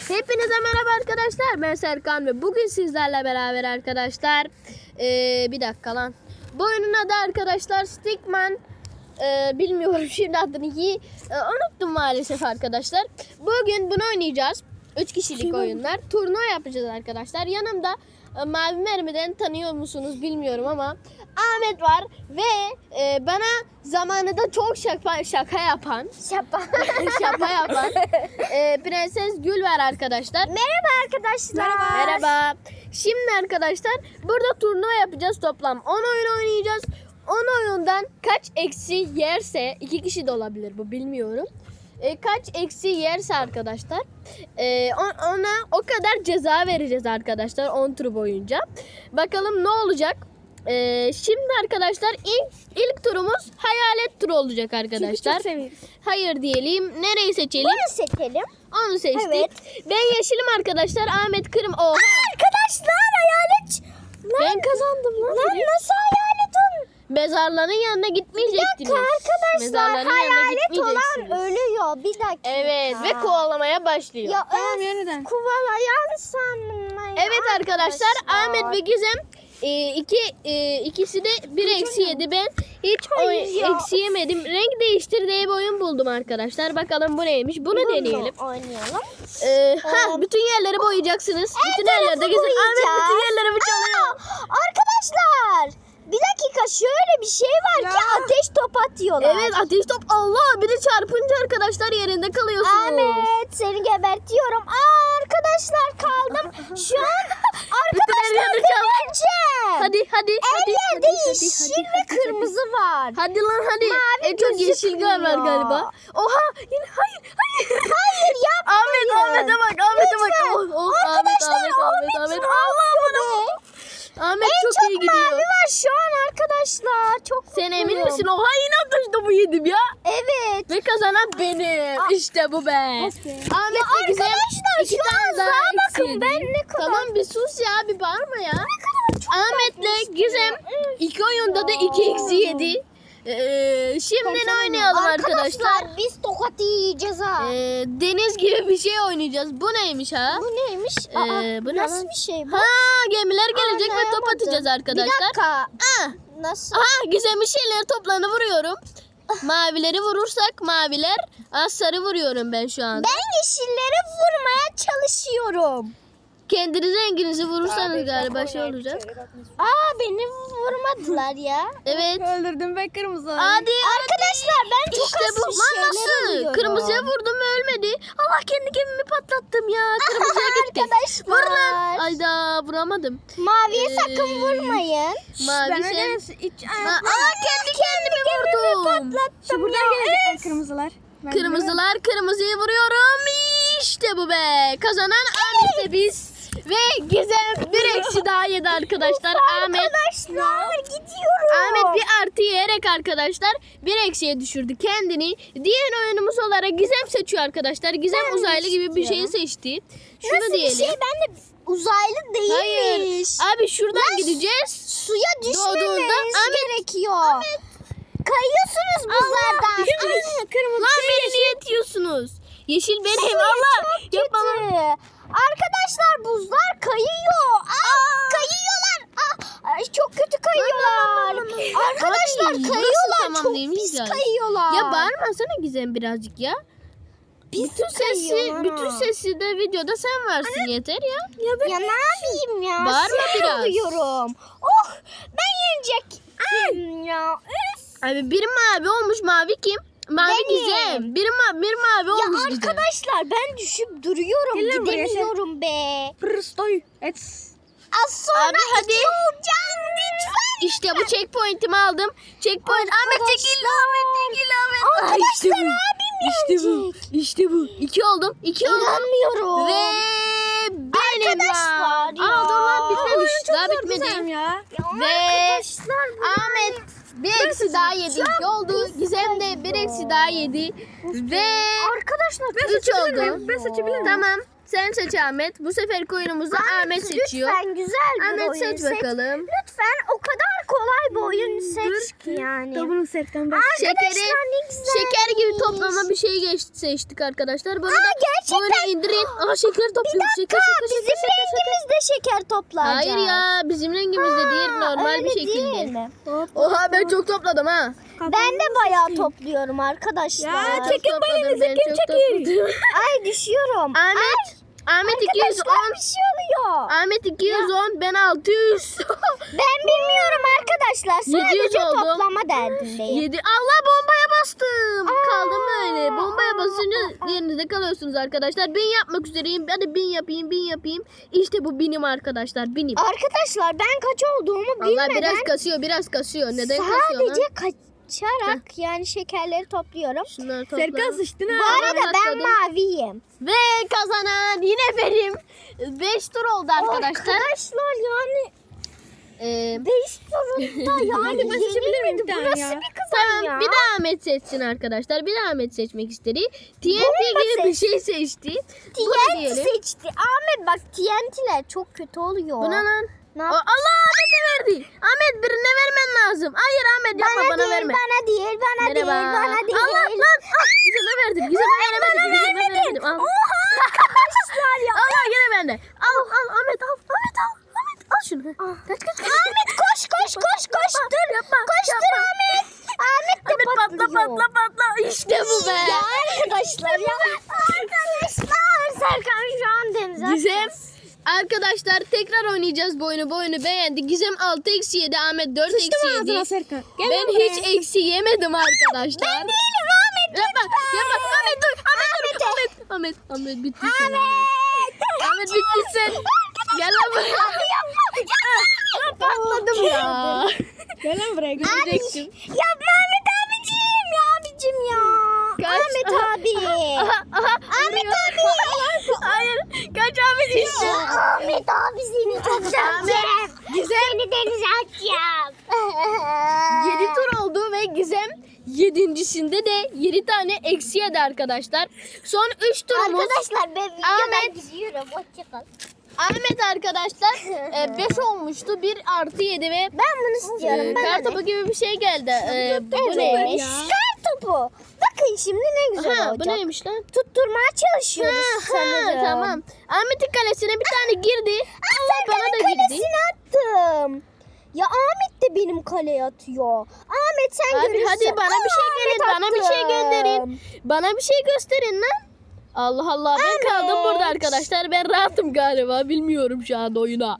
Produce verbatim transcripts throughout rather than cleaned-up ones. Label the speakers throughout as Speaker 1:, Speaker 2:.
Speaker 1: Hepinize merhaba arkadaşlar. Ben Serkan ve bugün sizlerle beraber arkadaşlar. Ee, bir dakika lan. Bu oyunun adı arkadaşlar Stickman. Ee, bilmiyorum şimdi adını iyi ee, unuttum maalesef arkadaşlar. Bugün bunu oynayacağız. üç kişilik oyunlar. Turnuva yapacağız arkadaşlar. Yanımda e, Mavi Mermi'den tanıyor musunuz bilmiyorum ama Ahmet var ve e, bana zamanında çok şaka, şaka yapan
Speaker 2: Şapa.
Speaker 1: şaka yapan e, Prenses Gül var arkadaşlar.
Speaker 2: Merhaba arkadaşlar.
Speaker 1: Merhaba. Şimdi arkadaşlar burada turnuva yapacağız, toplam on oyun oynayacağız. on oyundan kaç eksi yerse, iki kişi de olabilir bu, bilmiyorum. E, kaç eksi yerse arkadaşlar e, ona o kadar ceza vereceğiz arkadaşlar on tur boyunca. Bakalım ne olacak. E, şimdi arkadaşlar ilk ilk turumuz hayalet turu olacak arkadaşlar. Hayır diyelim. Nereyi seçelim?
Speaker 2: Bunu seçelim.
Speaker 1: Onu seçtik.
Speaker 2: Evet.
Speaker 1: Ben yeşilim arkadaşlar. Ahmet kırm. Oha.
Speaker 2: Arkadaşlar hayalet.
Speaker 1: Ben kazandım lan.
Speaker 2: Lan nasıl hayalet olur?
Speaker 1: Mezarların yanına gitmeyecektiniz.
Speaker 2: Bir dakika arkadaşlar,
Speaker 1: Mezarların yanına
Speaker 2: hayalet olan
Speaker 1: gitmeyeceksiniz.
Speaker 2: ölüyor. Bir dakika.
Speaker 1: Evet ve kovalamaya başlıyor.
Speaker 2: Ya tamam, yeniden. Kovalayan sandım.
Speaker 1: Evet arkadaşlar, Ahmet ve Gizem e, iki e, ikisi de bir eksi yedi. Ben hiç
Speaker 2: Hayır
Speaker 1: oy,
Speaker 2: ya.
Speaker 1: eksi yemedim. Renk değiştir diye bir oyun buldum arkadaşlar. Bakalım bu neymiş? Bunu deneyelim.
Speaker 2: Oynayalım.
Speaker 1: Ee, ha bütün yerleri boyayacaksınız. Bütün
Speaker 2: tarafı
Speaker 1: yerlerde Gizem. Ahmet
Speaker 2: boyayacağız.
Speaker 1: bütün yerlerimi çalıyor.
Speaker 2: Aa, arkadaşlar bir dakika, şöyle bir şey var ki ateş top atıyorlar.
Speaker 1: Evet, ateş top. Allah, bir de çarpınca arkadaşlar yerinde kalıyorsunuz.
Speaker 2: Ahmet seni gebertiyorum. Aa, arkadaşlar kaldım. Şu an arkadaşlar
Speaker 1: yerleri çal-
Speaker 2: gebereceğim.
Speaker 1: Hadi hadi
Speaker 2: Her
Speaker 1: hadi.
Speaker 2: yerde
Speaker 1: hadi,
Speaker 2: yeşil
Speaker 1: hadi,
Speaker 2: ve
Speaker 1: hadi,
Speaker 2: kırmızı var.
Speaker 1: Hadi lan hadi.
Speaker 2: Mavi
Speaker 1: En çok yeşil
Speaker 2: gözükmüyor.
Speaker 1: var galiba. Oha, yine hayır hayır.
Speaker 2: Hayır yapmayın.
Speaker 1: Ahmet Ahmet'e bak Ahmet'e bak.
Speaker 2: Lütfen.
Speaker 1: Oh, oh, Ahmet
Speaker 2: Arkadaşlar
Speaker 1: Ahmet Ahmet
Speaker 2: Ahmet
Speaker 1: Ahmet.
Speaker 2: ne
Speaker 1: Allah
Speaker 2: yapıyor be?
Speaker 1: Ahmet
Speaker 2: En
Speaker 1: çok,
Speaker 2: çok
Speaker 1: iyi gidiyor.
Speaker 2: mavi var şu an arkadaşlar. Çok
Speaker 1: Sen emin
Speaker 2: mutluyum.
Speaker 1: misin? Oha, yine ateş topu yedim ya.
Speaker 2: Evet.
Speaker 1: Ve kazanan benim. İşte bu be. Ahmet
Speaker 2: Ya
Speaker 1: ve Gizem
Speaker 2: arkadaşlar,
Speaker 1: iki
Speaker 2: şu
Speaker 1: tane
Speaker 2: an
Speaker 1: daha
Speaker 2: sağa
Speaker 1: eksi
Speaker 2: bakın,
Speaker 1: yedi.
Speaker 2: ben ne kadar-
Speaker 1: Tamam bir sus ya, bir bağırma ya.
Speaker 2: Çok
Speaker 1: Ahmet'le Gizem iki oyunda da iki eksi yedi. Ee, şimdi ne oynayalım arkadaşlar?
Speaker 2: Arkadaşlar biz tokat yiyeceğiz ha.
Speaker 1: Ee, deniz gibi bir şey oynayacağız. Bu neymiş ha?
Speaker 2: Bu neymiş?
Speaker 1: Ee,
Speaker 2: Aa,
Speaker 1: bu ne
Speaker 2: nasıl
Speaker 1: lan?
Speaker 2: bir şey bu?
Speaker 1: Ha, gemiler gelecek ve top
Speaker 2: Anlayamadım.
Speaker 1: atacağız arkadaşlar.
Speaker 2: Bir dakika.
Speaker 1: Ah,
Speaker 2: Nasıl?
Speaker 1: aha, Gizem'in şeyleri toplarını vuruyorum. Mavileri vurursak maviler, az sarı vuruyorum ben şu anda.
Speaker 2: Ben yeşillere vurmaya çalışıyorum.
Speaker 1: Kendi renginizi vurursanız galiba şey olacak.
Speaker 2: Aa, beni vurmadılar ya.
Speaker 1: Evet.
Speaker 3: Öldürdüm ben kırmızı.
Speaker 1: Hadi.
Speaker 2: Arkadaşlar ben çok
Speaker 1: İşte
Speaker 2: az
Speaker 1: bu.
Speaker 2: bir
Speaker 1: Lan
Speaker 2: şeyler
Speaker 1: nasıl?
Speaker 2: alıyorum.
Speaker 1: Kırmızıya vurdum ve ölmedi. Allah, kendi gemimi patlattım ya. Kırmızıya gitti.
Speaker 2: Arkadaşlar.
Speaker 1: Vur lan. Ayda vuramadım.
Speaker 2: Maviye
Speaker 1: Ee,
Speaker 2: sakın vurmayın.
Speaker 1: Mavi
Speaker 3: Ben
Speaker 1: sen.
Speaker 3: öyle iç...
Speaker 1: Ma- Aa, kendi kendimi vurdum.
Speaker 3: Şu buradan gelecek kırmızılar. Ben
Speaker 1: Kırmızılar, kırmızıyı vuruyorum. İşte bu be. Kazanan Ahmet'le biz. Ve Gizem bir eksi daha yedi arkadaşlar. Ahmet
Speaker 2: Arkadaşlar gidiyorum.
Speaker 1: Ahmet bir artı yiyerek arkadaşlar bir eksiye düşürdü kendini. Diğer oyunumuz olarak Gizem seçiyor arkadaşlar. Gizem
Speaker 2: Ben
Speaker 1: uzaylı gibi bir şeyi
Speaker 2: istiyorum.
Speaker 1: seçti. Şunu
Speaker 2: Nasıl
Speaker 1: diyelim.
Speaker 2: bir şey? Ben de uzaylı değilmiş.
Speaker 1: Hayır. Abi şuradan
Speaker 2: Lan,
Speaker 1: gideceğiz.
Speaker 2: Suya düşmemeniz
Speaker 1: Doğduğunda Ahmet-
Speaker 2: gerekiyor. Kayıyorsunuz buzlardan.
Speaker 1: Aynen, kırmızı. Lan beni niye itiyorsunuz? Yeşil benim. Allah. Yapma lan.
Speaker 2: Kötü. Arkadaşlar buzlar kayıyor. Aa, kayıyorlar. Aa, ay, çok kötü kayıyorlar. Arkadaşlar
Speaker 1: Ay, burası
Speaker 2: kayıyorlar.
Speaker 1: tamam
Speaker 2: Çok
Speaker 1: değilmiş
Speaker 2: pis
Speaker 1: yani.
Speaker 2: kayıyorlar.
Speaker 1: Ya bağırmasana Gizem birazcık ya. Bütün sesi,
Speaker 2: kayıyorlar
Speaker 1: bütün
Speaker 2: ha.
Speaker 1: sesi de videoda sen varsın yeter ya.
Speaker 2: Ya, ne yapayım ya?
Speaker 1: Bağırma
Speaker 2: Sinir
Speaker 1: biraz.
Speaker 2: oluyorum. Oh, ben yenecektim ya. Üf.
Speaker 1: Abi biri mavi olmuş, mavi kim? Mavi
Speaker 2: Benim.
Speaker 1: Gizem. Biri, ma bir mavi
Speaker 2: Ya
Speaker 1: olmuş Gizem.
Speaker 2: arkadaşlar ben düşüp duruyorum.
Speaker 1: Gel lan buraya,
Speaker 2: Gidemiyorum be.
Speaker 3: Prostoy. Et.
Speaker 2: Az sonra
Speaker 1: Abi hadi.
Speaker 2: iki olacağım lütfen.
Speaker 1: İşte bu checkpoint'imi aldım. Checkpoint. Ahmet çekil. Ahmet çekil Ahmet. Ay,
Speaker 2: Arkadaşlar
Speaker 1: işte bu.
Speaker 2: abim
Speaker 1: İşte bu.
Speaker 2: yenecek.
Speaker 1: İşte bu. İki oldum. İki oldum.
Speaker 2: İnanmıyorum.
Speaker 1: Ve benim
Speaker 2: Arkadaşlar
Speaker 1: ya.
Speaker 2: ya.
Speaker 1: Aa, dur lan bitmemiş. Daha
Speaker 3: Güzelim
Speaker 1: bitmedi.
Speaker 3: ya.
Speaker 1: Ve
Speaker 2: Arkadaşlar bu
Speaker 1: Ahmet bir eksi daha yedi. İki oldu. Gizem de bir eksi daha yedi. Ve
Speaker 2: arkadaşlar
Speaker 1: üç oldu.
Speaker 3: Ben seçebilir miyim?
Speaker 1: Tamam. Sen seç Ahmet. Bu seferki oyunumuzu Ahmet seçiyor.
Speaker 2: Lütfen güzel bir
Speaker 1: Ahmet
Speaker 2: oyun
Speaker 1: seç bakalım.
Speaker 2: Lütfen o kadar kolay bir oyun seç yani.
Speaker 3: Tabu'nun Serkan bak.
Speaker 1: Şekeri,
Speaker 2: Arkadaşlar ne güzel.
Speaker 1: şeker gibi toplama bir şey geç, seçtik arkadaşlar. Bunu
Speaker 2: Aa,
Speaker 1: da
Speaker 2: gerçekten.
Speaker 1: böyle indirin. Aa şeker topluyoruz. Şeker, şeker,
Speaker 2: Bizim
Speaker 1: şeker, şeker, şeker.
Speaker 2: rengimizde şeker toplayacağız.
Speaker 1: Hayır ya bizim rengimizde değil, normal
Speaker 2: öyle
Speaker 1: bir şekilde.
Speaker 2: değil mi?
Speaker 1: Oha ben çok topladım ha.
Speaker 2: Ben de bayağı topluyorum arkadaşlar.
Speaker 3: Ya,
Speaker 1: Çok
Speaker 3: çekin
Speaker 1: topladım,
Speaker 3: balinizi,
Speaker 1: ben
Speaker 3: kim
Speaker 1: çok
Speaker 3: çekir?
Speaker 1: topladım.
Speaker 2: Ay düşüyorum.
Speaker 1: Ahmet, Ahmet iki yüz
Speaker 2: Arkadaşlar
Speaker 1: on.
Speaker 2: bir şey oluyor.
Speaker 1: Ahmet iki yüz on, ben altı yüz.
Speaker 2: Ben bilmiyorum arkadaşlar.
Speaker 1: yedi yüz
Speaker 2: Sadece
Speaker 1: oldu.
Speaker 2: toplama derdindeyim.
Speaker 1: yedi. Allah bombaya bastım. Kaldım böyle. Bombaya basınca yerinizde kalıyorsunuz arkadaşlar. Bin yapmak üzereyim. Hadi bin yapayım, bin yapayım. İşte bu binim arkadaşlar. Binim.
Speaker 2: Arkadaşlar ben kaç olduğumu
Speaker 1: Allah
Speaker 2: bilmeden
Speaker 1: biraz kasıyor, biraz kasıyor. Neden kasıyor
Speaker 2: sadece
Speaker 1: lan?
Speaker 2: kaçarak yani şekerleri topluyorum.
Speaker 1: Şunları topla.
Speaker 3: Serkan sıçtın
Speaker 2: Bu
Speaker 3: ha.
Speaker 2: arada ben
Speaker 1: atladım.
Speaker 2: maviyim.
Speaker 1: Ve kazanan yine benim. beş tur oldu arkadaşlar.
Speaker 2: Arkadaşlar yani
Speaker 1: Ee,
Speaker 2: beş turunda yani
Speaker 3: ben seçebilir miyim bir
Speaker 2: yenilmedi. Bu
Speaker 3: tane
Speaker 2: nasıl
Speaker 3: ya?
Speaker 2: bir kazan
Speaker 1: tamam
Speaker 2: ya?
Speaker 1: bir daha Ahmet seçsin arkadaşlar. Bir daha Ahmet seçmek istedi. T N T
Speaker 2: Bomba
Speaker 1: gibi bir şey seçti.
Speaker 2: T
Speaker 1: Bunu
Speaker 2: N T
Speaker 1: diyelim.
Speaker 2: seçti. Ahmet bak T N T'ler çok kötü oluyor.
Speaker 1: Bu ne lan?
Speaker 2: Ne
Speaker 1: Aa,
Speaker 2: yap-
Speaker 1: Allah Ahmet'e verdi. Ahmet birine vermen lazım. Hayır Ahmet yapma
Speaker 2: Bana,
Speaker 1: bana,
Speaker 2: değil,
Speaker 1: verme.
Speaker 2: bana değil, bana değil, bana değil.
Speaker 1: Allah lan. Ah, Gizem'e verdim. Gizem'e veremedim. Gizem'e veremedim. Al.
Speaker 2: Oha arkadaşlar ya.
Speaker 1: Allah gene bende. Al al Ahmet al. Ahmet al. Ahmet al şunu. Kaç kaç kaç.
Speaker 2: Ahmet koş koş koş koş dur.
Speaker 1: Yapma,
Speaker 2: Koştur
Speaker 1: yapma.
Speaker 2: Ahmet. Ahmet de
Speaker 1: Ahmet patla
Speaker 2: patlıyor.
Speaker 1: patla patla. İşte bu be.
Speaker 2: Ya arkadaşlar ya. Arkadaşlar Serkan şu an denize
Speaker 1: Gizem. Arkadaşlar tekrar oynayacağız bu oyunu. Bu oyunu beğendi. Gizem altı eksi yedi. Ahmet dört eksi
Speaker 3: Sıçtım
Speaker 1: yedi.
Speaker 3: ağzına Serkan. Gel
Speaker 1: Ben
Speaker 3: lan buraya.
Speaker 1: hiç eksi yemedim arkadaşlar.
Speaker 2: Ben değilim Ahmet.
Speaker 1: Yapma, yapma. Ahmet dur. Ahmet dur. Ahmet, Ahmet, Ahmet bitti sen. Ahmet bitti sen. Gel lan buraya.
Speaker 2: Yapma yapma.
Speaker 1: Patladım ya.
Speaker 3: Gel lan buraya. gel.
Speaker 1: Görecektim.
Speaker 2: Yapma Ahmet abicim ya abicim ya.
Speaker 1: Kaç?
Speaker 2: Ahmet abi.
Speaker 1: Aha, aha.
Speaker 2: Ahmet
Speaker 1: Vuruyor.
Speaker 2: abi.
Speaker 1: Hayır. Kaç Ahmet işte.
Speaker 2: Ahmet abi seni çok seveceğim.
Speaker 1: Gizem.
Speaker 2: Seni denize atacağım.
Speaker 1: yedi tur oldu ve Gizem yedincisinde de yedi tane eksi yedi arkadaşlar. Son üç turumuz.
Speaker 2: Arkadaşlar ben
Speaker 1: Ahmet.
Speaker 2: videodan gidiyorum. Hoşçakal.
Speaker 1: Ahmet arkadaşlar beş olmuştu. bir artı yedi ve
Speaker 2: Ben bunu istiyorum.
Speaker 1: e,
Speaker 2: Ben
Speaker 1: kartopu gibi bir şey geldi. E, bu neymiş?
Speaker 2: Kar topu. Bakın şimdi ne güzel
Speaker 1: Ha, bu
Speaker 2: olacak.
Speaker 1: neymiş lan?
Speaker 2: Tutturmaya çalışıyoruz
Speaker 1: Ha,
Speaker 2: sanırım.
Speaker 1: tamam. Ahmet'in kalesine bir tane girdi.
Speaker 2: Aa,
Speaker 1: Allah bana
Speaker 2: Serkan'ın
Speaker 1: da girdi.
Speaker 2: kalesine attım. Ya Ahmet de benim kaleye atıyor. Ahmet sen
Speaker 1: Abi
Speaker 2: görürsün.
Speaker 1: hadi bana bir şey
Speaker 2: Ahmet
Speaker 1: verin, bana bir şey
Speaker 2: attım.
Speaker 1: gönderin. Bana bir şey gösterin lan. Allah Allah ben
Speaker 2: Ahmet.
Speaker 1: kaldım burada arkadaşlar. Ben rahatım galiba. Bilmiyorum şu anda oyuna.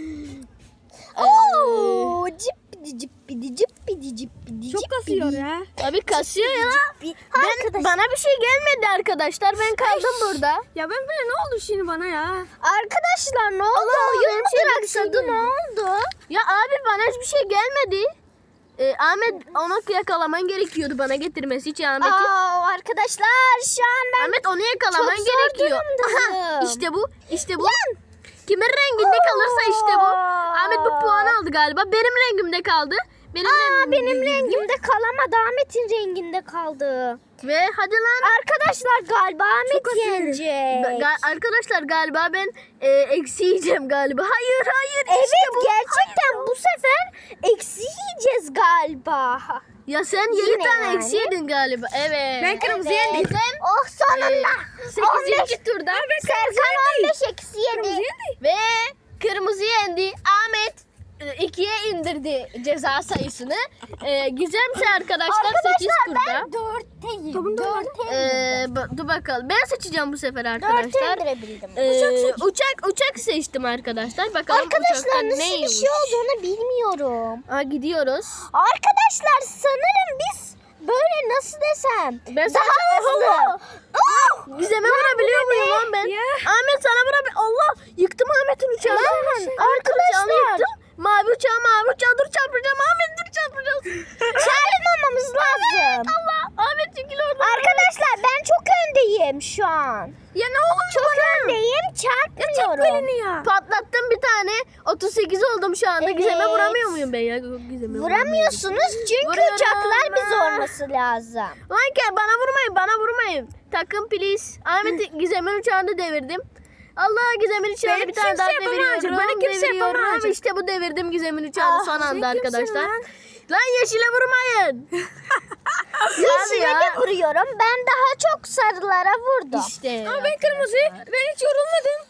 Speaker 2: Oo, cippidi cippidi cippidi cippidi
Speaker 3: Çok kasıyor ya.
Speaker 1: Abi kasıyor ya.
Speaker 2: cippi.
Speaker 1: Ben,
Speaker 2: Arkadaş,
Speaker 1: bana bir şey gelmedi arkadaşlar. Ben kaldım burada.
Speaker 3: Ya ben böyle ne oldu şimdi bana ya?
Speaker 2: arkadaşlar ne oldu?
Speaker 1: Allah,
Speaker 2: Oyun
Speaker 1: benim
Speaker 2: mu
Speaker 1: şeyime bir şey
Speaker 2: duraksadı? Ne
Speaker 1: geldi.
Speaker 2: oldu?
Speaker 1: Ya abi bana hiçbir şey gelmedi. Ee, Ahmet onu yakalaman gerekiyordu bana getirmesi için Ahmet'i.
Speaker 2: Aa, arkadaşlar şu an ben
Speaker 1: Ahmet onu yakalaman
Speaker 2: çok zor
Speaker 1: gerekiyor.
Speaker 2: durumdayım.
Speaker 1: Aha, işte bu. İşte bu. Kimin renginde kalırsa işte bu. Ahmet bu puanı aldı galiba. Benim rengimde kaldı. Benim
Speaker 2: Aa,
Speaker 1: rengimde
Speaker 2: benim
Speaker 1: girdi.
Speaker 2: rengimde kalamadı. Ahmet'in renginde kaldı.
Speaker 1: Ve hadi lan.
Speaker 2: Arkadaşlar galiba Ahmet
Speaker 3: kasıyorum.
Speaker 2: yenecek.
Speaker 1: Ga- arkadaşlar galiba ben e, eksi yiyeceğim galiba. Hayır hayır.
Speaker 2: Evet
Speaker 1: işte bu.
Speaker 2: gerçekten bu sefer eksi yiyeceğiz galiba.
Speaker 1: Ya sen yedi
Speaker 2: Yine
Speaker 1: tane
Speaker 2: yani.
Speaker 1: eksi yedin galiba. Evet.
Speaker 3: Ben kırmızı
Speaker 1: Evet.
Speaker 3: yendim.
Speaker 1: Gizem,
Speaker 2: Oh sonunda.
Speaker 1: e, sekizinci turda.
Speaker 2: Serkan on beş eksi yedi.
Speaker 1: Ve kırmızı yendi. Ahmet e, ikiye indirdi ceza sayısını. E, Gizem ise arkadaşlar sekiz
Speaker 2: Arkadaşlar
Speaker 1: turda.
Speaker 2: ben dörtteyim.
Speaker 3: Tamam, tamam.
Speaker 2: Dörtte
Speaker 1: Ee,
Speaker 2: indirdim.
Speaker 1: ba- dur bakalım. Ben seçeceğim bu sefer
Speaker 2: Dörtte
Speaker 1: arkadaşlar.
Speaker 2: indirebildim.
Speaker 1: Ee, uçak uçak seçtim arkadaşlar. Bakalım
Speaker 2: Arkadaşlar
Speaker 1: uçakta
Speaker 2: nasıl
Speaker 1: neymiş.
Speaker 2: bir şey olduğunu bilmiyorum.
Speaker 1: Aa, gidiyoruz.
Speaker 2: Arkadaşlar sanırım biz böyle nasıl desem
Speaker 1: Ben
Speaker 2: daha
Speaker 1: sadece-
Speaker 2: hızlı.
Speaker 1: Allah!
Speaker 2: Oh!
Speaker 1: Gizem'e vurabiliyor muyum lan ben?
Speaker 3: Ya.
Speaker 1: Ahmet sana vurabiliyor. Allah! Yıktım Ahmet'in uçağını.
Speaker 2: Lan,
Speaker 1: Ahmet'in
Speaker 2: arkadaşlar.
Speaker 1: uçağını yıktım. Mavi uçağı mavi uçağı dur çarpacağım. Ahmet dur çarpacağız.
Speaker 2: Çarpmamamız lazım.
Speaker 1: Allah! Ahmet çekil oradan.
Speaker 2: Arkadaşlar ben çok öndeyim şu an.
Speaker 1: Ya ne olur
Speaker 2: Çok
Speaker 1: bana.
Speaker 2: öndeyim çarpmıyorum.
Speaker 3: ya.
Speaker 1: Patlattım bir tane. otuz sekiz oldum şu anda.
Speaker 2: Evet.
Speaker 1: Gizem'e vuramıyor muyum ben ya? Gizem'e
Speaker 2: Vuramıyorsunuz çünkü
Speaker 1: Vuruyorum
Speaker 2: uçaklar bizi
Speaker 1: ben.
Speaker 2: olması lazım.
Speaker 1: Lan gel bana vurmayın bana vurmayın. Takım please. Ahmet Gizem'in uçağını devirdim. Allah Gizem'in içine
Speaker 3: Beni
Speaker 1: bir tane
Speaker 3: kimse
Speaker 1: daha
Speaker 3: yapamayacak,
Speaker 1: deviriyorum.
Speaker 3: beni kimse
Speaker 1: deviriyorum.
Speaker 3: yapamayacak.
Speaker 1: İşte bu devirdim Gizem'in uçağını
Speaker 3: Ah,
Speaker 1: son
Speaker 3: sen
Speaker 1: anda
Speaker 3: kimsin
Speaker 1: arkadaşlar.
Speaker 3: lan?
Speaker 1: Lan yeşile vurmayın.
Speaker 2: Yeşile
Speaker 1: ya.
Speaker 2: de vuruyorum. Ben daha çok sarılara vurdum.
Speaker 1: İşte.
Speaker 3: Ama ben kırmızı. Ben hiç yorulmadım.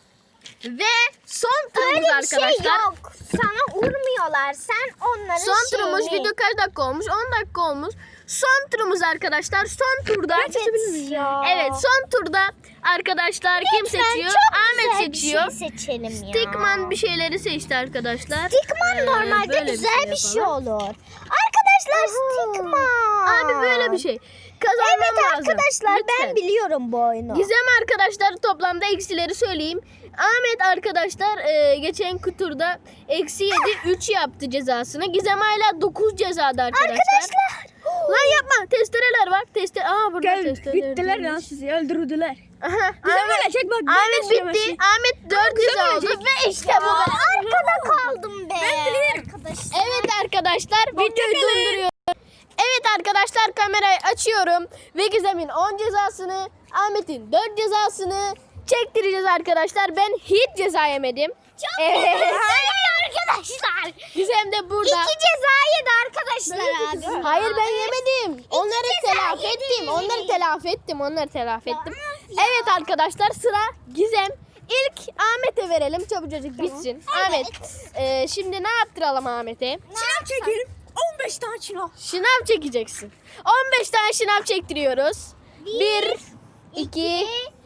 Speaker 1: Ve son turumuz
Speaker 2: Öyle bir
Speaker 1: arkadaşlar.
Speaker 2: şey yok. Sana vurmuyorlar. Sen onların
Speaker 1: Son turumuz
Speaker 2: şeyini-
Speaker 1: video kaç dakika olmuş? on dakika olmuş. Son turumuz arkadaşlar. Son turda.
Speaker 2: Evet ya.
Speaker 1: Evet son turda arkadaşlar kim
Speaker 2: Lütfen
Speaker 1: seçiyor?
Speaker 2: çok
Speaker 1: Ahmet
Speaker 2: güzel
Speaker 1: seçiyor.
Speaker 2: Bir şey seçelim ya.
Speaker 1: Stickman bir şeyleri seçti arkadaşlar.
Speaker 2: Stickman
Speaker 1: Ee,
Speaker 2: normalde
Speaker 1: böyle
Speaker 2: güzel bir şey,
Speaker 1: yapalım.
Speaker 2: olur. Arkadaşlar
Speaker 1: Aha.
Speaker 2: Stickman.
Speaker 1: Abi böyle bir şey. Kazanmam
Speaker 2: Evet
Speaker 1: lazım.
Speaker 2: arkadaşlar ben
Speaker 1: Lütfen.
Speaker 2: biliyorum bu oyunu.
Speaker 1: Gizem arkadaşlar toplamda eksileri söyleyeyim. Ahmet arkadaşlar e, geçen kuturda eksi yedi üç yaptı cezasını. Gizem hala dokuz cezada arkadaşlar.
Speaker 2: Arkadaşlar.
Speaker 1: Lan yapma testereler var. Teste Aa burada
Speaker 3: Gel
Speaker 1: testereler.
Speaker 3: bittiler lan sizi öldürdüler.
Speaker 1: Aha,
Speaker 3: Güzel
Speaker 1: Ahmet,
Speaker 3: ölecek bak. ben de
Speaker 1: Ahmet
Speaker 3: istiyorum
Speaker 1: bitti.
Speaker 3: her şeyi.
Speaker 1: Ahmet dört
Speaker 3: güzel
Speaker 1: ceza oldu
Speaker 3: ölecek.
Speaker 1: ve işte bu.
Speaker 2: Aa, arkada kaldım be.
Speaker 3: Ben biliyorum.
Speaker 2: Arkadaşlar.
Speaker 1: Evet arkadaşlar videoyu
Speaker 3: Hoşçakalın.
Speaker 1: durduruyorum. Evet arkadaşlar kamerayı açıyorum ve Gizem'in on cezasını, Ahmet'in dört cezasını çektireceğiz arkadaşlar. Ben hiç ceza yemedim.
Speaker 2: Çok
Speaker 1: Evet.
Speaker 2: güzel arkadaşlar.
Speaker 1: Gizem de burada.
Speaker 2: İki ceza yedi arkadaşlar abi.
Speaker 1: Hayır ben yemedim. Onları
Speaker 2: ceza
Speaker 1: telafi
Speaker 2: yedi.
Speaker 1: ettim. Onları telafi ettim. Onları telafi ettim.
Speaker 2: ya.
Speaker 1: Evet arkadaşlar sıra Gizem. İlk Ahmet'e verelim. Çabucacık bitsin. Ahmet. e, şimdi ne yaptıralım Ahmet'e?
Speaker 3: Çınav çekelim. on beş tane çınav.
Speaker 1: Şınav çekeceksin. on beş tane şınav çektiriyoruz. bir, iki,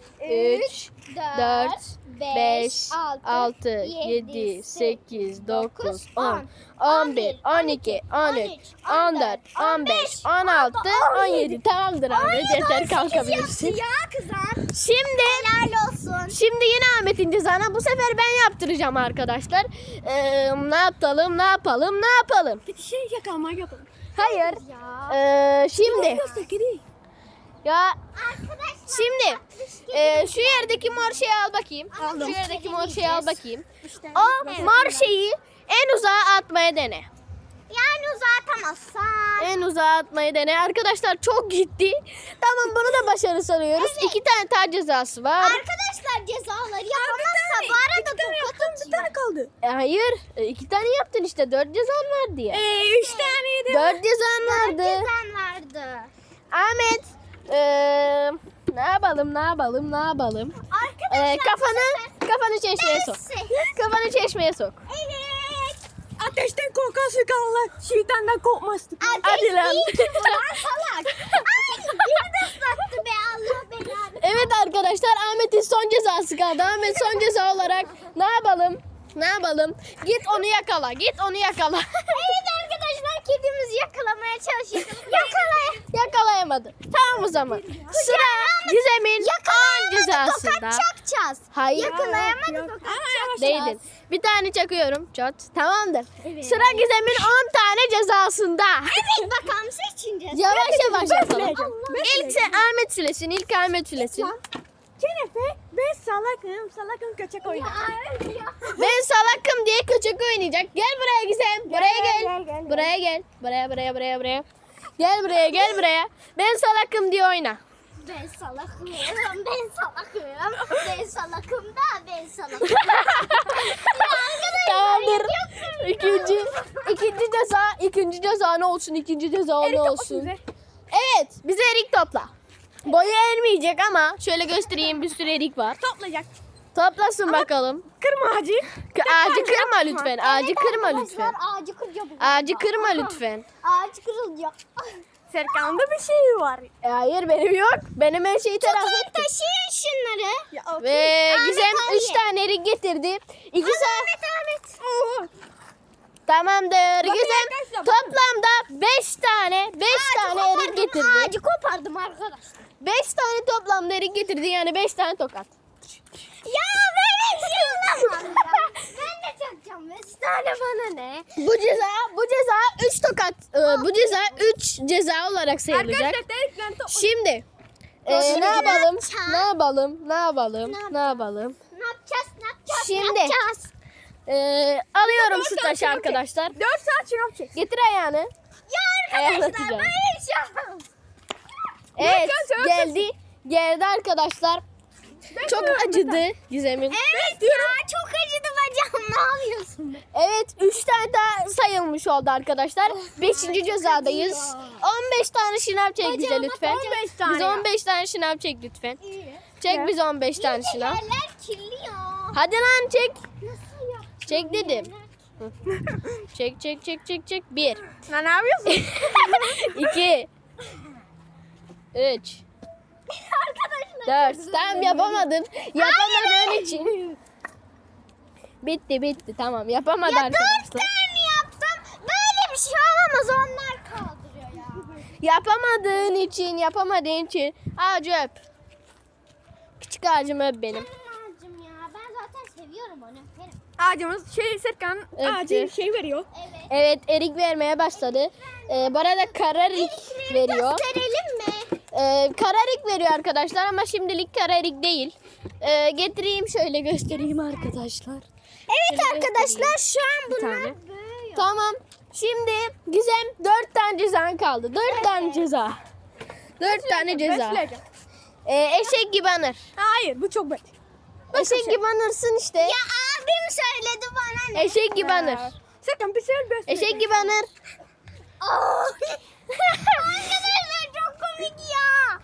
Speaker 1: üç, dört, beş, altı, yedi, sekiz, dokuz, on, on bir, on iki, on üç, on dört, on beş, on altı, on yedi. Tamamdır Ahmet. Yeter kalkabilirsin.
Speaker 2: Ya kızım.
Speaker 1: Şimdi
Speaker 2: Helal olsun.
Speaker 1: Şimdi yine Ahmet'in cezana bu sefer ben yaptıracağım arkadaşlar. Ee, ne yapalım ne yapalım ne yapalım?
Speaker 3: Bir şey yakalmak yapalım.
Speaker 1: Hayır.
Speaker 2: Ya.
Speaker 1: Ee, şimdi
Speaker 3: Göster kedi.
Speaker 1: ya
Speaker 2: Arkadaşlar.
Speaker 1: şimdi e, şu yerdeki mor şeyi al bakayım.
Speaker 2: Aldım.
Speaker 1: Şu yerdeki mor şeyi al bakayım.
Speaker 2: İşte.
Speaker 1: O
Speaker 2: Evet.
Speaker 1: mor şeyi en uzağa atmaya dene.
Speaker 2: Yani uzatamazsan.
Speaker 1: En uzağa atmayı dene. Arkadaşlar çok gitti. Tamam bunu da başarı sanıyoruz. İki tane tar cezası var.
Speaker 2: Arkadaşlar cezaları yapamazsa bu arada tokat
Speaker 3: Bir tane kaldı.
Speaker 1: E, hayır. E, iki tane yaptın işte. Dört cezan vardı ya.
Speaker 3: Ee, üç taneydi.
Speaker 1: Dört cezan vardı.
Speaker 2: Cezan vardı.
Speaker 1: Ahmet. eee, ne yapalım ne yapalım ne yapalım.
Speaker 2: Arkadaşlar
Speaker 1: Eee, kafanı kafanı çeşmeye sok. Kafanı çeşmeye sok.
Speaker 2: Evet.
Speaker 3: Ateşten korkan sıkanlar. Şeytandan korkmazdı.
Speaker 1: Hadi lan.
Speaker 2: Ateş değil ki vuran salak. Ay beni de ıslattı be Allah belanı.
Speaker 1: Evet arkadaşlar Ahmet'in son cezası kaldı. Ahmet son ceza olarak ne yapalım? Ne yapalım? Git onu yakala. Git onu yakala.
Speaker 2: Evet arkadaşlar kedimizi yakalamaya çalışıyoruz. Yakalay.
Speaker 1: Yakalayamadı. Tamam o zaman. Sıra Gizem'in on cezasında.
Speaker 2: Tokat çakacağız.
Speaker 1: Hayır.
Speaker 2: Yakalayamadı
Speaker 3: Yok.
Speaker 2: tokat
Speaker 3: Aa,
Speaker 2: çakacağız.
Speaker 1: Değdin. Bir tane çakıyorum. Çat. Tamamdır.
Speaker 2: Evet.
Speaker 1: Sıra Gizem'in on tane cezasında.
Speaker 2: Evet bakalım seçineceğiz.
Speaker 1: Yavaş yavaş yapalım.
Speaker 3: sileceğim. Ben
Speaker 1: İlk sen Ahmet silesin. İlk Ahmet silesin.
Speaker 3: Kenefe ben salakım. Salakım köçek oynar.
Speaker 1: Ben salakım diye köçek oynayacak. Gel buraya Gizem. Buraya
Speaker 3: gel,
Speaker 1: gel.
Speaker 3: gel, gel,
Speaker 1: Buraya gel. Buraya buraya buraya buraya. Gel buraya gel buraya. Ben salakım diye oyna.
Speaker 2: Ben salakım. Ben salakım. Ben salakım da ben salakım.
Speaker 1: Tamamdır. İkinci, ikinci ceza, ikinci ceza ne olsun? İkinci ceza ne olsun? Evet, bize erik topla. Boyu ermeyecek ama şöyle göstereyim bir sürü erik var.
Speaker 3: Toplayacak.
Speaker 1: Toplasın bakalım.
Speaker 3: Kırma ağacı.
Speaker 1: K- Ağacı kırma lütfen. Ağacı kırma lütfen.
Speaker 2: Arkadaşlar ağacı kıracağım.
Speaker 1: Ağacı kırma lütfen.
Speaker 2: Ağaç kırılacak.
Speaker 3: Serkan'da bir şey var.
Speaker 1: E, hayır benim yok. Benim her şeyi telafi
Speaker 2: Tutun
Speaker 1: ettim.
Speaker 2: taşıyın şunları.
Speaker 3: Ya,
Speaker 1: Ve
Speaker 2: Ahmet
Speaker 1: Gizem
Speaker 2: al
Speaker 1: üç
Speaker 2: ye.
Speaker 1: tane erik getirdi. İki saat.
Speaker 2: Ahmet Ahmet.
Speaker 1: Tamamdır. Gizem
Speaker 3: arkadaşlar.
Speaker 1: toplamda beş tane, beş tane erik getirdi.
Speaker 2: Ağacı kopardım arkadaşlar.
Speaker 1: Beş tane toplamda erik getirdi yani beş tane tokat.
Speaker 2: Ya ben hepsini ya. Ben de çakacağım. Beş tane bana ne?
Speaker 1: Bu ceza, bu ceza üç tokat, e, bu ceza üç ceza olarak sayılacak.
Speaker 3: Arkadaşlar delikten toplayacak.
Speaker 1: Şimdi e,
Speaker 2: Şimdi
Speaker 1: ne
Speaker 2: ne
Speaker 1: yapalım?
Speaker 2: yapacağız?
Speaker 1: Ne yapalım? Ne yapalım?
Speaker 2: Ne
Speaker 1: Ne yapalım?
Speaker 2: Ne yapacağız? Ne yapacağız?
Speaker 1: Şimdi.
Speaker 2: Ne yapacağız?
Speaker 1: E, alıyorum
Speaker 3: Dört
Speaker 1: şu
Speaker 3: saat
Speaker 1: taşı
Speaker 3: çınav
Speaker 1: arkadaşlar.
Speaker 3: çek. Dört saat çınav çek.
Speaker 1: Getir ayağını.
Speaker 2: Ya
Speaker 1: Ayağını
Speaker 2: arkadaşlar
Speaker 1: atacağım.
Speaker 2: böyle bir şey olmaz.
Speaker 1: Evet
Speaker 3: Dört saat
Speaker 1: geldi. Geldi arkadaşlar. Çok acıdı Gizem'in.
Speaker 2: Evet ya çok acıdı bacağım. Ne yapıyorsun?
Speaker 1: Evet üç tane daha sayılmış oldu arkadaşlar. beşinci cezadayız. on beş tane şınav çek bize
Speaker 2: Bacağıma
Speaker 1: lütfen.
Speaker 2: on beş
Speaker 3: tane
Speaker 1: Bize
Speaker 3: ya.
Speaker 1: on beş tane şınav çek lütfen.
Speaker 2: İyi.
Speaker 1: Çek bize on beş tane şınav.
Speaker 2: Yerler kirli ya.
Speaker 1: Hadi lan çek.
Speaker 2: Nasıl yaptın?
Speaker 1: Çek dedim. Çek çek çek çek çek. Bir.
Speaker 3: Lan ne yapıyorsun?
Speaker 1: iki. Üç.
Speaker 2: Arkadaşlar.
Speaker 1: Dört. Tamam yapamadın. Yapamadığın için. Bitti bitti tamam yapamadı
Speaker 2: Ya dört
Speaker 1: arkadaşlar.
Speaker 2: tane yaptım. Böyle bir şey olamaz. Onlar kaldırıyor ya.
Speaker 1: Yapamadığın için yapamadığın için ağacı öp. Küçük ağacımı öp benim.
Speaker 2: Canım ağacım ya. Ben zaten seviyorum onu. Öperim.
Speaker 3: Ağacımız şey Serkan
Speaker 1: Evet.
Speaker 3: ağacı şey veriyor.
Speaker 2: Evet.
Speaker 1: Evet erik vermeye başladı. Ee, bu arada kararik veriyor.
Speaker 2: Gösterelim mi?
Speaker 1: Ee, kararik veriyor arkadaşlar ama şimdilik kararik değil. Ee, getireyim şöyle göstereyim arkadaşlar.
Speaker 2: Evet
Speaker 1: Şöyle
Speaker 2: arkadaşlar şu an
Speaker 1: Bir
Speaker 2: bunlar
Speaker 1: tane.
Speaker 2: böyle.
Speaker 1: Tamam. Şimdi Gizem dört tane cezan kaldı. Dört tane ceza. Dört tane ceza.
Speaker 3: Besle.
Speaker 1: Ee, eşek gibi anır.
Speaker 3: Hayır bu çok bet.
Speaker 1: Eşek gibi anırsın işte.
Speaker 2: Ya abim söyledi bana ne?
Speaker 1: Eşek gibi anır.
Speaker 3: Serkan bir şey besle.
Speaker 1: Eşek gibi anır.
Speaker 2: Arkadaşlar çok komik ya.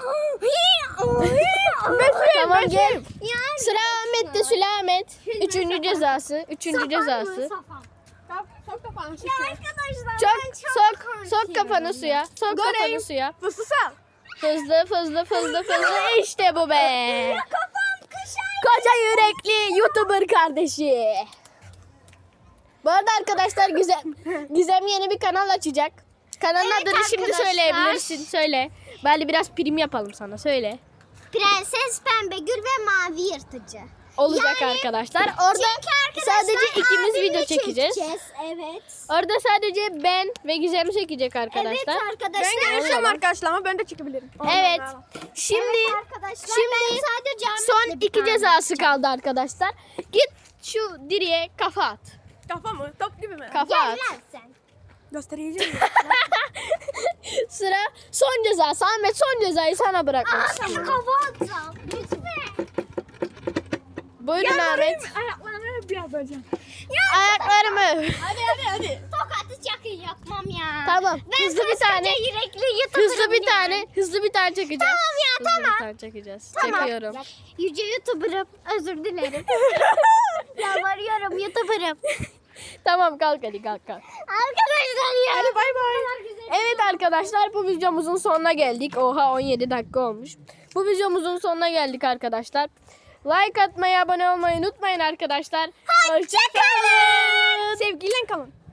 Speaker 1: Tamam gel.
Speaker 2: Yani
Speaker 1: Sıra Ahmet'te Süleymet. Üçüncü cezası. Üçüncü
Speaker 2: Safan
Speaker 1: cezası.
Speaker 2: mı, safan?
Speaker 3: Sok, sok kapağını
Speaker 2: Ya
Speaker 3: Serkan.
Speaker 2: arkadaşlar
Speaker 1: Çok
Speaker 2: ben çok
Speaker 1: sok
Speaker 2: korkuyorum.
Speaker 1: sok kafanı suya. Sok kafanı
Speaker 3: Göreyim.
Speaker 1: suya.
Speaker 3: Fıstığı sal.
Speaker 1: Hızlı hızlı hızlı hızlı işte bu be.
Speaker 2: Kafam kışan.
Speaker 1: Koca yürekli YouTuber kardeşi. Bu arada arkadaşlar Gizem, Gizem yeni bir kanal açacak. Kanalın
Speaker 2: Evet
Speaker 1: adını şimdi
Speaker 2: arkadaşlar.
Speaker 1: söyleyebilirsin. Söyle. Bari biraz prim yapalım sana. Söyle.
Speaker 2: Prenses Pembe Gül ve Mavi Yırtıcı.
Speaker 1: Olacak
Speaker 2: Yani-
Speaker 1: arkadaşlar. Orada
Speaker 2: Çünkü arkadaşlar
Speaker 1: sadece ikimiz
Speaker 2: abimle
Speaker 1: video çekeceğiz.
Speaker 2: Evet.
Speaker 1: Orada sadece ben ve Gizem çekecek arkadaşlar.
Speaker 2: Evet arkadaşlar.
Speaker 3: Ben görüşeceğim arkadaşlar ama ben de çıkabilirim.
Speaker 1: Evet. Şimdi
Speaker 2: Evet arkadaşlar.
Speaker 1: şimdi
Speaker 2: ben sadece Ahmet'le
Speaker 1: son
Speaker 2: bir
Speaker 1: iki
Speaker 2: tane
Speaker 1: cezası kaldı arkadaşlar. Git şu direğe kafa at.
Speaker 3: Kafa mı? Top gibi mi?
Speaker 1: Kafa
Speaker 2: Gel
Speaker 1: at.
Speaker 2: lan sen.
Speaker 3: Göstereceğim.
Speaker 1: Sıra son cezası. Ahmet son cezayı sana bırakmak
Speaker 2: Aa,
Speaker 1: istiyorum.
Speaker 2: sana kafa atacağım. Lütfen.
Speaker 1: Buyurun Ahmet.
Speaker 3: Ayaklarını bir yapacağım.
Speaker 1: Ayaklarımı.
Speaker 3: Hadi hadi hadi.
Speaker 2: Tokatı çakın yapmam ya.
Speaker 1: Tamam.
Speaker 2: Ben
Speaker 1: Hızlı bir
Speaker 2: koskoca
Speaker 1: tane.
Speaker 2: yürekli YouTuber'ım
Speaker 1: Hızlı bir
Speaker 2: ya.
Speaker 1: tane. Hızlı bir tane çekeceğiz.
Speaker 2: Tamam ya,
Speaker 1: Hızlı
Speaker 2: tamam.
Speaker 1: bir tane çekeceğiz.
Speaker 2: Tamam.
Speaker 1: Çekiyorum.
Speaker 2: Yüce YouTuber'ım. Özür dilerim. Yalvarıyorum YouTuber'ım.
Speaker 1: Tamam kalk hadi kalk kalk.
Speaker 2: Arkadaşlar ya.
Speaker 3: Hadi bay bay.
Speaker 2: Ne kadar güzel.
Speaker 1: Evet arkadaşlar bu videomuzun sonuna geldik. Oha on yedi dakika olmuş. Bu videomuzun sonuna geldik arkadaşlar. Like atmayı, abone olmayı unutmayın arkadaşlar. Hoşçakalın.
Speaker 3: Sevgiyle kalın.